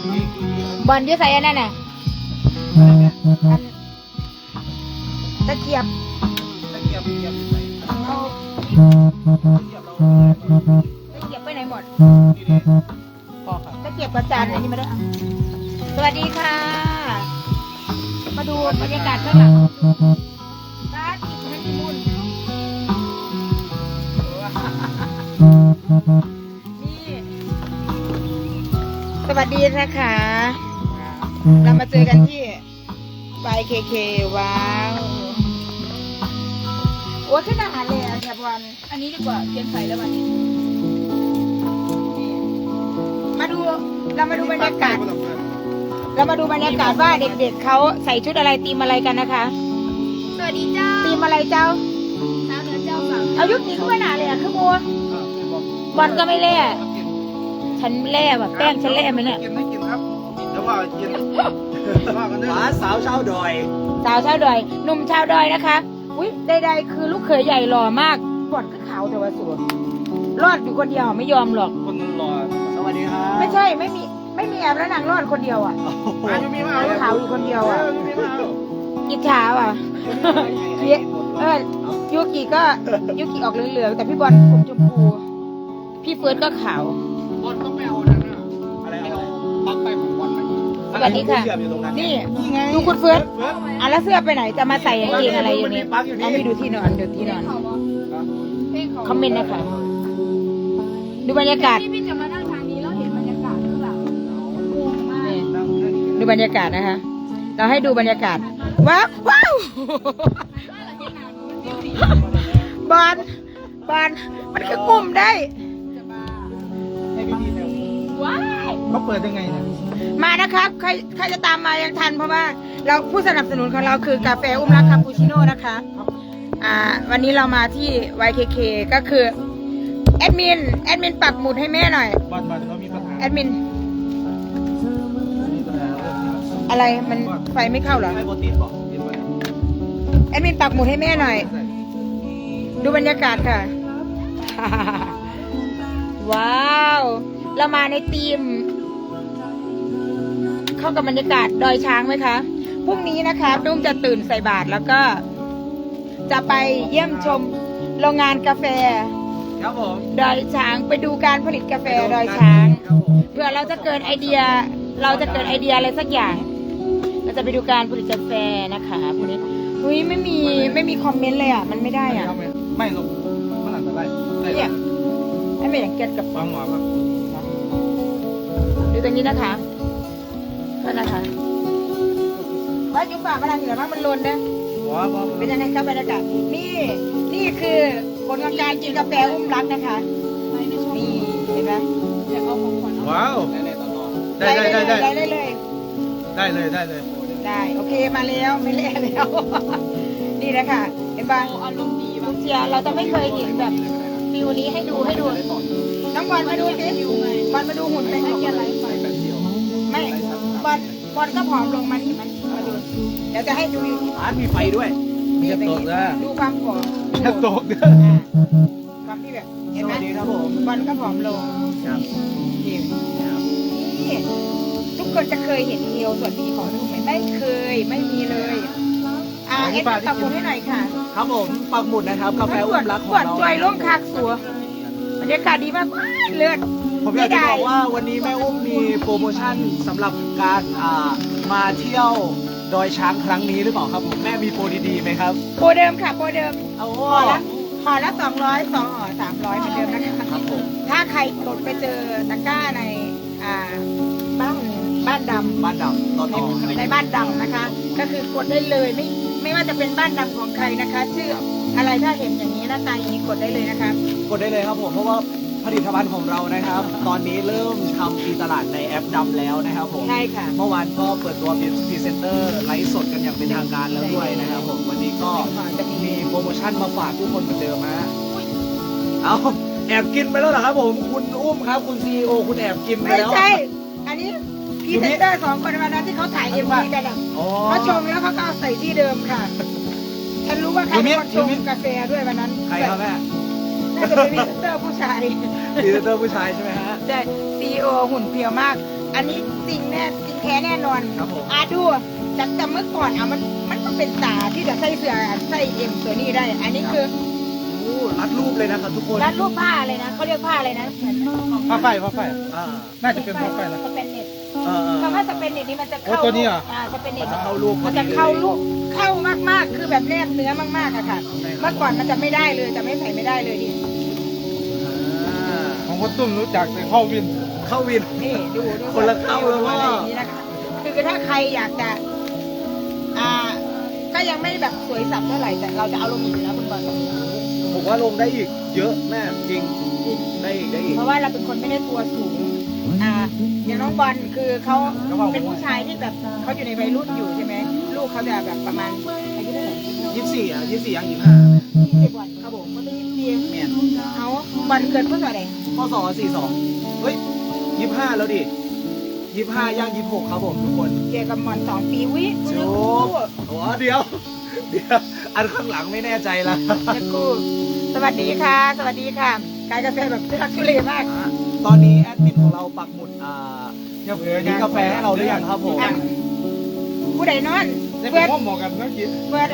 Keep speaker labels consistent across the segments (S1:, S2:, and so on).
S1: บอลยืดใส่อันนั้นน่ะตะเกียบเอาตะเกียบไปไหนหมดตะเกียบกระจานอันนี้มาด้วยสวัสดีค่ะมาดูบรรยากาศข้างหลังบ้านอีกฮันนีมูนนี่สวัสดีนะคะเรามาเจอกันที่YKK ว้าวโอ้ขึ้นอาหารเลยอ่ะแถบวันอันนี้ดีกว่าเปลี่ยนไฟแล้ววันนี้มาดูเรามาดูบรรยากาศว่าเด็กๆเขาใส่ชุดอะไรตีมอะไรกันนะคะสวัสดีเจ้าตีมอะไรเจ้าสาวเหนือเจ้าฝั่งเอายุคนี้ขึ้นมาหนาเลยอ่ะขึ้นมัวบอลก็ไม่เล่ฉันเล่แบบแป้งฉันเล่ไหมเนี่ย
S2: กินไม่กินครับเดี๋ยวว่ากินว่ากันด้วย
S3: หมาสาวชาวดอย
S1: สาวชาวดอยหนุ่มชาวดอยนะคะอุ้ยใดๆคือลูกเขยใหญ่หล่อมากบอดก็ขาวแต่ว่าสวยรอดอยู่คนเดียวไม่ยอมหรอก
S2: คนรอ
S3: สวัสดีครับ
S1: ไม่ใช่ไม่มีแอบแล้วนางรอดคนเดียวอ่ะ
S2: อายุมีมาเอา
S1: ขาวอยู่คนเดียวอ่ะ
S2: มีมาเอา
S1: อิจฉาอ่ะยูกิก็ยูกิออกเหลืองๆแต่พี่บอลผมชมพูพี่เฟิร์สก็ขาว
S2: บอลต้องไปเอานั่นน่ะอะไรเอาปักไปของบอลไหม
S1: สวัสดีค่ะนี่ดูคุณเฟิร์สอ่ะแล้วเสื้อไปไหนจะมาใส่กางเกงอะไรอยู่นี่เอาไปดูที่นอนคอมเมนต์นะคะดูบรรยากาศ
S4: ที่พี่จะมานั่งทางนี้แล้วเห็นบรรยากาศคือแบบงงมาก
S1: ดูบรรยากาศนะคะ เราให้ดูบรรยากาศว้าวบอลมันคือกลุ่มได้
S4: ว้าย
S2: เขาเปิดยังไงเนี่ย
S1: มานะครับใครจะตามมายังทันเพราะว่าเราผู้สนับสนุนของเราคือกาแฟอุ้มรักคาปูชิโน่นะคะวันนี้เรามาที่ YKK ก็คือแอดมินปักหมุดให้แม่หน่อย
S2: บอลเขามีปัญหา
S1: แอดมินอะไรมันไฟไม่เข้าเหรอ
S2: ไอ้โปรตีนบอกกินไป
S1: แอดมินปักหมุดให้แม่หน่อย ดูบรรยากาศค่ะ ว้าวเรามาในทีม เข้ากับบรรยากาศดอยช้างไหมคะพรุ่งนี้นะคะตุ้มจะตื่นใส่บาตรแล้วก็ จะไปเยี่ยมชมโรงงานกาแฟ
S3: ครับผม
S1: ดอยช้างไปดูการผลิตกาแฟดอยช้างเพื่อเราจะเกิดไอเดียอะไรสักอย่าง เราจะไปดูการผลิตกาแฟนะคะพวกนี้อุ้ยไม่มีคอมเมนต์เลยอ่ะมันไม่ได้อ่ะ
S2: ไม่ลงมันอันตราย
S1: เนี่ยให้ไม่อย่างเก็ตกับ
S2: ฟังหมอครับ
S1: ดูตรงนี้นะคะก็นะคะว่าจุ๊บฝ่ามาทางเหนือว่ามันลนนะ
S2: ว้าว
S1: เป็นยังไงครับบรรยากาศนี่คือผลของการกินกาแฟอุ้มรักนะคะนี่เห็นไหม
S4: อยากเอาของขวัญเอา
S2: ว้าวได้เลย
S1: ได้โอเคมาแล้วไม่เละแล้ว นี่นะคะเห็นป่ะ
S4: อารมณ์ดีแบบ
S1: เชียร์เราจะไม่เคยเห็นแบบฟิวนี้ให้ดูน้องบอลมาดูสิบอลมาดูหุ่นไปให้เกียร์ไรไม่บอลก็ผอมลงมานี่มันมาดูเดี๋ยวจะให้ดูอยู่
S3: ร้านมีไฟด้วย
S1: นี่เป็นดูความผอม
S2: จะตกเด้อ
S1: ความที่แบบ
S3: ส
S1: เห็นไหม
S3: วัสดีครับผม
S1: บอลก็ผอมลง
S3: ครับ
S1: นี่ทุกคนจะเคยเห็นเอวส่วนนี้ของลูกไหมไม่เคยไม่มีเลยเอ็ดตับหมุนให้หน่อยค่ะ
S3: ครับผมปักหมุดนะครับกาแฟอุ้มรักของ
S1: ขวด
S3: เรา
S1: จอยร่มคากสัวบรรยากาศดีมากเลือด
S3: ผมอยากจะบอกว่าวันนี้แม่อุ้มมีโปรโมชั่นสำหรับการมาเที่ยวดอยช้างครั้งนี้หรือเปล่าครับผมแม่มีโปรดีๆไหมครับ
S1: โปรเดิมค่ะโปรเดิม
S3: เอา
S1: ห่อละ200 2ห่อ300เหมือนเดิมนะคะ
S3: ครับผม
S1: ถ้าใครกดไปเจอตะกร้าในบ้านดำ
S3: บ้านดำต่อ
S1: ในบ้านดำนะคะ ก็คือกดได้เลยไม่ว่าจะเป็นบ้านดำของใครนะคะชื่ออะไรถ้าเห็นอย่างนี้หน้าตาอย่างนี้กดได้เลยนะคะ
S3: กดได้เลยครับผมเพราะว่าผลิตภัณฑ์ของเรานะครับ ตอนนี้เริ่มทำตีตลาดในแอปดำแล้วนะครับผม
S1: ใช่ค่ะ
S3: เมื่อวานก็เปิดตัวพรีเซนเตอร์ไลฟ์สดกันอย่างเป็นทางการแล้วด้วยนะครับผมวันนี้ก็มีโปรโมชั่นมาฝากทุกคนเหมือนเดิมฮะเอาแอบกินไปแล้วเหรอครับผมคุณอุ้มครับคุณซีโอคุณแอบกินไป
S1: ไม่
S3: แล้ว
S1: ใช่ อันนี้พรีเซนเตอร์2 คนวันนั้นที่เขาถ่ายเอ็มวีกันอะ
S3: อ๋อ
S1: เขาชงแล้วเขาก็เอาใส่ที่เดิมค่ะ ฉันรู้ว่าใครเป็นคนชงกาแฟด้วยวันนั้น
S3: ใครครับแม่
S1: น่าจะเป็นพรีเซนเตอร์ผู้ชาย
S3: พรีเซนเตอร์ผู้ชายใช่ไหมฮะ
S1: ใช่ซีโอหุ่นเพรียวมากอันนี้จริงแน่จริงแท้แน่นอน
S3: ครับผม
S1: ดูจากแต่เมื่อก่อนมันก็เป็นตาที่จะใส่เสื้อใส่เอ็มตัวนี้ได้ อันนี้คือ
S3: โอ้รัดรูปเลยนะครับทุกคน
S1: รัดรูปผ้าอะไรนะเขาเรียกผ้าอะไรนะเหมือน
S2: ผ้าไฟ
S3: อ่า
S2: น่าจะเป็นผ้าไฟนะ
S1: สเปนเน็ต
S3: ๆ
S1: คำว่าสเปนเน็ตนี่มันจะเข้า
S2: โอ้ตัวนี้เหรอ
S1: สเปนเน็ต
S3: จะเข้ารูป
S1: มันจะเข้ารูปเข้ามากๆ คือแบบแนบเนื้อมากๆอะค่ะ เมื่อก่อนมันจะไม่ได้เลยจะไม่ใส่ไม่ได้เลยดิ
S2: ของพ่อตุ้มรู้จักแต่เข้าวิน
S3: เข้าวิน
S1: นี่ดู
S3: คนละเข้าเลยว่า
S1: อะไรอย่างนี้นะคะคือถ้าใครอยากจะก็ยังไม่แบบสวยสับเท่าไหร่แต่เราจะเอาลงอีกนะคุณบอล
S3: ผมว่าลงได้อีก เยอะแม่จริงได้อีก
S1: เพราะว่าเราเป็นคนไม่ได้ตัวสูงอย่างน้องบอลคือเขาเป็นผู้ชายที่แบบเขาอยู่ในวัยรุ่นอยู่ใช่ไหมลูกเขาจะแบบประมาณอายุเท่าไหร่
S3: 24ยัง25
S1: 20วันเขาบอกเขาต้อง20
S3: แม่น
S1: เอาบอลเกิดเมื่อไหร่
S3: พศ42เฮ้ย25แล้วดิ25ย่าง26ครับผมทุกคน
S1: เจอกับหมอน2 ปีวิ
S3: โอ้โหเดี๋ยวอันข้างหลังไม่แน่ใจละ
S1: จะกูสวัสดีค่ะ สวัสดีค่ะกายกาแฟแบบทุลักทุเลมาก
S3: ตอนนี้แอดมินของเราปักหมุด
S2: อย่าเผลอ
S3: กินกาแฟให้เราหรือยังครับผม
S1: ผู้ใดนอน
S2: ได้
S1: เพื่
S2: เป็
S1: อน น
S2: พ่อหมอกันเมื่อกี้
S1: เพื่อน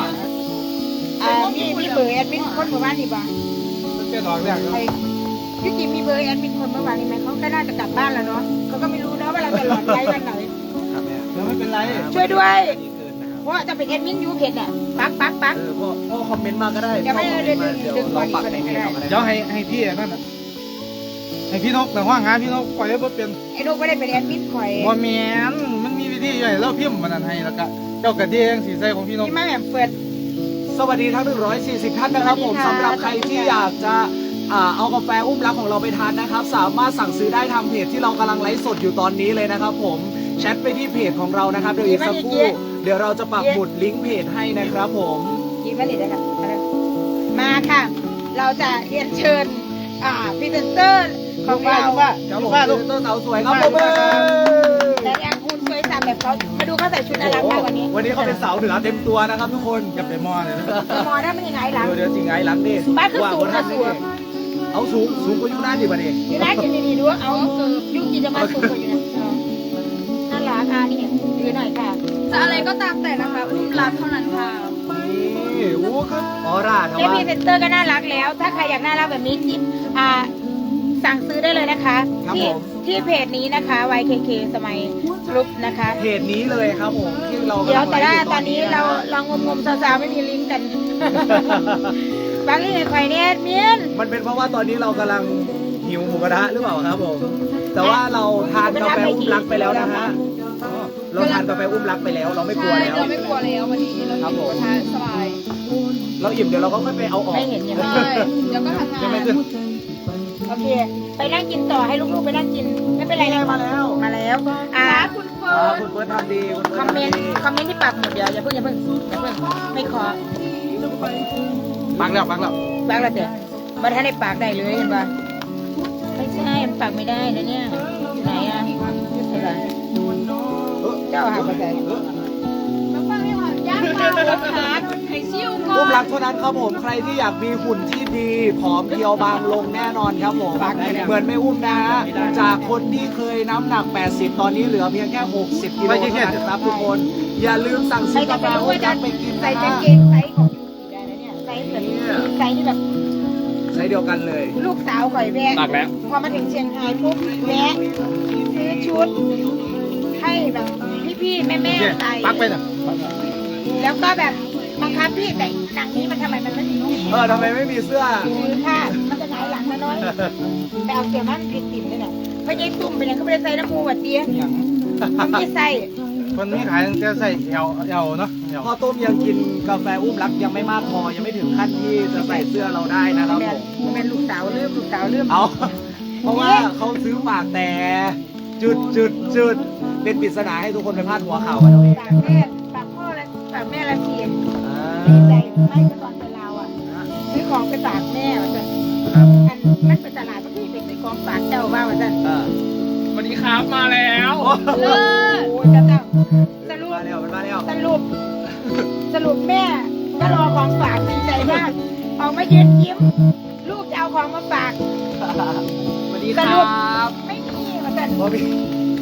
S1: มีเบอร์แอดมินคนเมื่อวานนี่บ้าง
S2: เป็นดอกแรกแล้ว
S1: ไอ้พี่จิมมีเบอร์แอดมินคนเมื่อวานนี่ไหมเขาก็น่าจะกลับบ้านแล้วเนาะเขาก็ไม่รู้นะว่าเราจะหลอดไลฟ์วันไหน
S3: ครับแม่
S2: แล้วไม่เป็นไร
S1: ช่วยด้วย
S3: อันนี้เกินนะครับ
S1: เพราะว่าจะเป็นแอดมินยูเพจอ่ะปัก
S3: พ่อคอมเมนต์มาก็ได้
S1: เดี๋ยวไม่
S3: พ่อคอมเมนต์มา
S1: เดี๋
S3: เดี๋
S1: ย
S3: ยว วเราปักในเพจเราก็ได้
S2: เดี๋ยวให้พี่นั่นน่ะให้พี่นกแต่ว่างานพี่นกปล่อยให้บ่เป็น
S1: ไอ้นกไม่ได้เป็นแอดมินข่อย
S2: บ่แม่นมันมีวิธีใหญ่แล้วพิมพ์มันนั้นให้แล้วก็เจ้ากระเดียงสีใสของพี่นก
S1: ที่มาแบบเปิด
S3: สวัสดีทั้ง140ท่านนะครับผม
S1: สวัสดีค่ะ
S3: สำหรับใครที่อยากจะเอากาแฟอุ้มรักของเราไปทานนะครับ สามารถสั่งซื้อได้ทางเพจที่เรากำลังไลฟ์สดอยู่ตอนนี้เลยนะครับผมแชทไปที่เพจของเรานะครับเดี๋ยวอีกสักครู่เดี๋ยวเราจะปักหมุดลิงก์เพจให้นะครับผม
S1: ยิงผลิตเลยค่ะมาค่ะ เราจะเรียนเชิญพรีเซนเตอร์ของเรา
S3: ครับผมเป็นต้นสาวสวยครับผม
S1: แต่ยังคุณสวยสับแบบเขามาดูเขาใส่ชุดน่ารักมากวันนี้
S3: วันนี้เขาเป็นสาวเหนือเต็มตัวนะครับทุกคน
S2: อย่าไปมอเลยนะ
S1: มอถ้ามันยังไงหลัง
S3: เดี๋ยวจริงไงหลังดิ
S1: บ้านคือสูงนะสูง
S3: เอาสูงกว่ายุคนั้นดิบัดนี้
S1: อยู่ได้กินดีๆดูเอายุกินจะมาสูงกว่าอยู่นะน่ารักนี่ดูหน่อยค่ะ
S4: จะอะไรก็ตามแต่นะคะอุ้มรักเท่านั้นค่ะ
S3: นี่โอ้คือออร่าท
S1: เจ
S3: ว่า
S1: พรีเซนเตอร์ก็น่ารักแล้ว ถ้าใครอยากน่ารักแบบนี้จิ๊บสั่งซื้อได้เลยนะคะ ที่เพจนี้นะคะ YKK สมัยกรุ๊ปนะคะ
S3: เพจนี้เลยครับผมที่เรา
S1: เดี๋ยวแต่ละตอนนี้เราลองงมๆสาวๆไม่มีลิงก์กัน บางทีในไข่เนี่ยเมียน
S3: มันเป็นเพราะว่าตอนนี้เรากำลังหิวหมูกระทะหรือเปล่าครับผมแต่ว่าเราทานกาแฟอุ้มรักไปแล้วนะฮะเราทานกาแฟอุ้มรักไปแล้ว เราไม่กลัว
S4: ใช่
S3: แล้ว
S4: เราไม่กลัวแล้ววันนี้เรา
S3: ครับผม
S4: ทานสบาย
S3: เราอิ่มเดี๋ยวเราก็ค่อยไปเอาออก
S1: ไม่เห็นยัง
S4: ใช่เดี๋ยวก็ทำงาน
S2: ยังไม่ขึ้น
S1: โอเค ไปนั่งกินต่อให้ลูกๆไปนั่งกิน ไม่เป็นไรนะ
S3: มาแล้ว
S1: มาแล้ว
S4: คุณเฟิร์น
S3: คุณเฟิร์สทำดีคุณ
S1: คอมเมนต์ที่ปักหมดเดี๋ยวอย่าเพิ่งไม่ขอ
S2: ปักแล้ว
S1: ปากแล้วเดี๋ยวมาท่านในปากได้เลยเห็นปะไม่ใช่มันปากไม่ได้นะเนี่ยไหนอ่ะใช่ปะเจ้าหาภาษา
S4: แล้วฟังให้หวานย่างปลาหัวขาดให้ชิวก่อ
S3: อุ้มรั
S4: น
S3: กเท่านั้นครับผมใครที่อยากมีหุ่นที่ดีผอมเพรียวบางลงแน่นอนครับผมเหมือนไม่อุ้มนะฮะจากคนที่เคยน้ำหนัก 80 ตอนนี้เหลือเพียงแค่ 60 กิโลเท่านั้นครับทุกคนอย่าลืมสั่ง
S1: ใคร
S3: ซื้อ
S1: จะ
S3: กา
S1: ไป
S3: แฟ
S1: รู้
S3: อุ้
S1: ว่าม จะ
S3: รักไปกิน
S1: ใส่
S3: นะ
S1: กาง
S3: ฮะ
S1: เกงไซส์ของยูได้นะเนี่ยไซส์แบบไซส์ที่แบบ
S3: ใช้เดียวกันเลย
S1: ลูกสาวข่อยแวะ
S2: ปักแล้ว
S1: พอมาถึงเชียงรายปุ๊บแวะซื้อชุด ให้แบบพี่ๆแม่ๆใส่
S2: ปักไปน่ะ
S1: แล้วก็แบบบังคับพี่แต่หนังนี้มันทำไมมันไม่มีนุ่ม
S3: ทำไมไม่มีเสื้อ
S1: ซื้อผ้ามันจะหงายหลังมาน้อยแต่เอาเสียมันผิดติ่มเลยน่ะเพราะยายตุ่มเป็นยังก็ไม่ได้ใส่น้ำมูกเตี้ย
S2: อย่าง
S1: มันไม่ใส่
S2: คนนี้ขายตั้งแต่ใส่เอวเนาะเอว
S3: พ่อต้มยังกินกาแฟอุ้มรักยังไม่มากพอยังไม่ถึงขั้นที่จะใส่เสื้อเราได้นะครับผม
S1: มันเป็นลูกสาวลืม
S3: เอาเพราะว่าเขาซื้อฝากแต่จุดเป็นปริศนาให้ทุกคนไปพาดหัวข่าวกันเอาเอง
S1: ฝากแม่ฝากพ่อและฝากแม่ละเทียน
S3: อ่า
S1: ดีใจไม่ก็ตอนเป็นเราอ่ะซื้อของไปฝากแม่ว่าจะอันมันเป็นตลาดเมื่อกี้เป็นของฝากเจ้าว่าว่าจะ
S2: สวัสดีครับมาแล้ว
S1: โอ้จะต้องสรุป
S3: มาแล้วมันมาแล้ว
S1: สรุปแม่ก็รอของฝากดีใจมากออกมายืนยิ้ม ลูกจะเอาของมาฝาก
S3: สวัสดี
S1: ส
S3: ค
S1: รุป
S3: รับ
S1: ไม่มีมาแต่
S3: พ่อพี่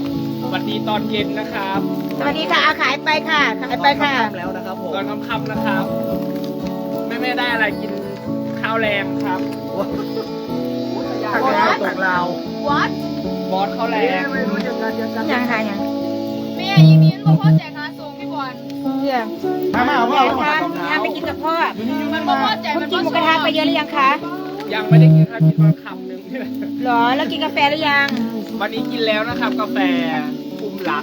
S5: สวัสดีตอนเย็นนะครับ
S1: สวัสดีค่ะขายไปค่ะขายไปค่ะ
S3: ค่ำแล้วนะครับผม
S5: ตอนค่ำๆนะครับแม่ได้อะไรกินข้าวแรงครับ
S3: ตกลาวตกลาว
S4: วัด
S5: บอสข้าวแรง
S3: ไม่รู้จะกันจะกัน
S1: ยังค่ะยัง
S4: แม่ยีมีนบอกพ่อแจกงานส่งพี่บอล
S1: เรื่อง
S2: มาเอา
S1: ยังคะงานไปกินกับพ่อ
S4: มันบอกพ่อแจก
S1: คุณ
S4: มัน
S1: กินหมูกระทะไปเยอะหรือยังคะ
S5: ยังไม่ได้กินข้าวกินมาคำหนึ่ง
S1: หรอแล้วกินกาแฟหรือยัง
S5: วันนี้กินแล้วนะครับกาแฟอุ้มรัก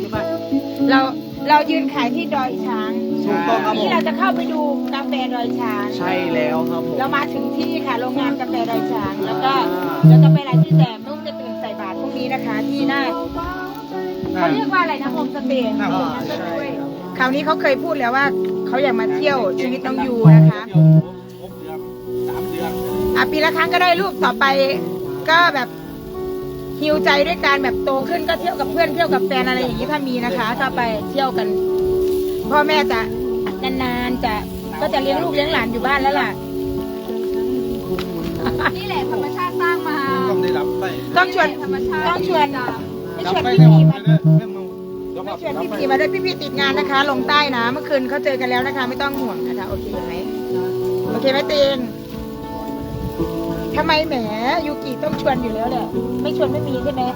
S1: เรายืนขายที่ดอยช้าง
S3: ถูกต้องครับผ
S1: นี่
S3: ม
S1: เราจะเข้าไปดูกาแฟดอยช้าง
S3: ใช่แล้วครับผม
S1: เรามาถึงที่ค่ะโรงงานกาแฟดอยช้างแล้วก็เราจะไปหลายที่แต่นุ่มจะตื่นใส่บาตรพรุ่งนี้นะคะ ที่หน้าเขาเรียกว่าอะไรนะโฮมสเตย์
S2: หน้าผม
S3: ใช่ครับ
S1: คราวนี้เขาเคยพูดแล้วว่าเขาอยากมาเที่ยวชีวิตน้องยูนะคะ
S2: 6 เดือน 3 เดือน
S1: ปีละครั้งก็ได้ลูกต่อไปก็แบบฮิวใจด้วยการแบบโตขึ้นก็เที่ยวกับเพื่อนเที่ยวกับแฟนอะไรอย่างนี้ถ้ามีนะคะถ้าไปเที่ยวกัน พ่อแม่จะนานๆก็จะเลี้ยงลูกเลี้ยงหลานอยู่บ้านแล้วล่ะ
S4: นี่แหละธรรมชาติสร้างมา
S2: ต้องได้รับไป
S1: ต้องชวน
S4: ธรรมชาติ
S1: ต้องชวน ไม่
S2: รับ
S1: ชวน
S2: ไป
S1: พี่
S2: ในห้
S1: พี
S2: อง
S1: มา
S2: เลยเรื่องมึงเดี๋ยว
S1: ไม่
S2: มา
S1: ชวนพี่พีมาด้วยพี่พีติดงานนะคะ ลงใต้นะเมื่อคืนเขาเจอกันแล้วนะคะ ไม่ต้องห่วงนะคะโอเคไหมโอเคไหมเตนทำไมแหมยูกิต้องชวนอยู่แล้วแหละไม่ชวนไม่มีใช่ไหม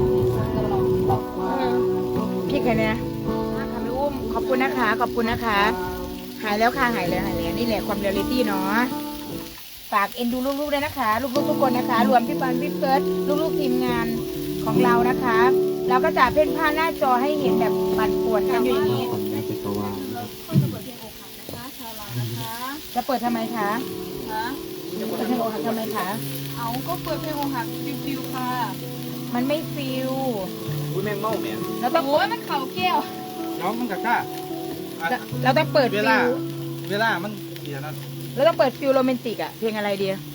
S1: พี่ใครเนี่ยค่ะไม่อุ้มขอบคุณนะคะขอบคุณนะคะ หายแล้วค่ะหายแล้วนี่แหละความเรียลลิตี้เนาะฝากเอ็นดูลูกๆด้วยนะคะ ลูกๆทุกคนนะคะ รวมพี่ปันพี่เฟิร์สลูกๆทีมงานของเรานะคะเราก็จะเพ่นผ้าหน้าจอให้เห็นแบบปั่นป่วนกันอยู่อย่างนี้ จะเปิดทำไมคะ
S4: ฮะ
S1: เปิดเพลงอกหักทำไมคะ
S4: เอาก็เปิดเพลงอกหักฟิวๆค่ะ
S1: มันไม่ฟิล
S5: อุ้ยแมงเม่าเนี่ย
S1: เราต้อง
S4: โอ้ยมันเข่าแก้ว
S2: น้องมันกะกล้า
S1: เราต้องเปิด
S2: เว
S1: ฟิ
S2: ลา
S1: ล
S2: เวลามันเสียนะ
S1: เราต้องเปิดฟิลโรแมนติกอะเพลงอะไรดี
S2: เ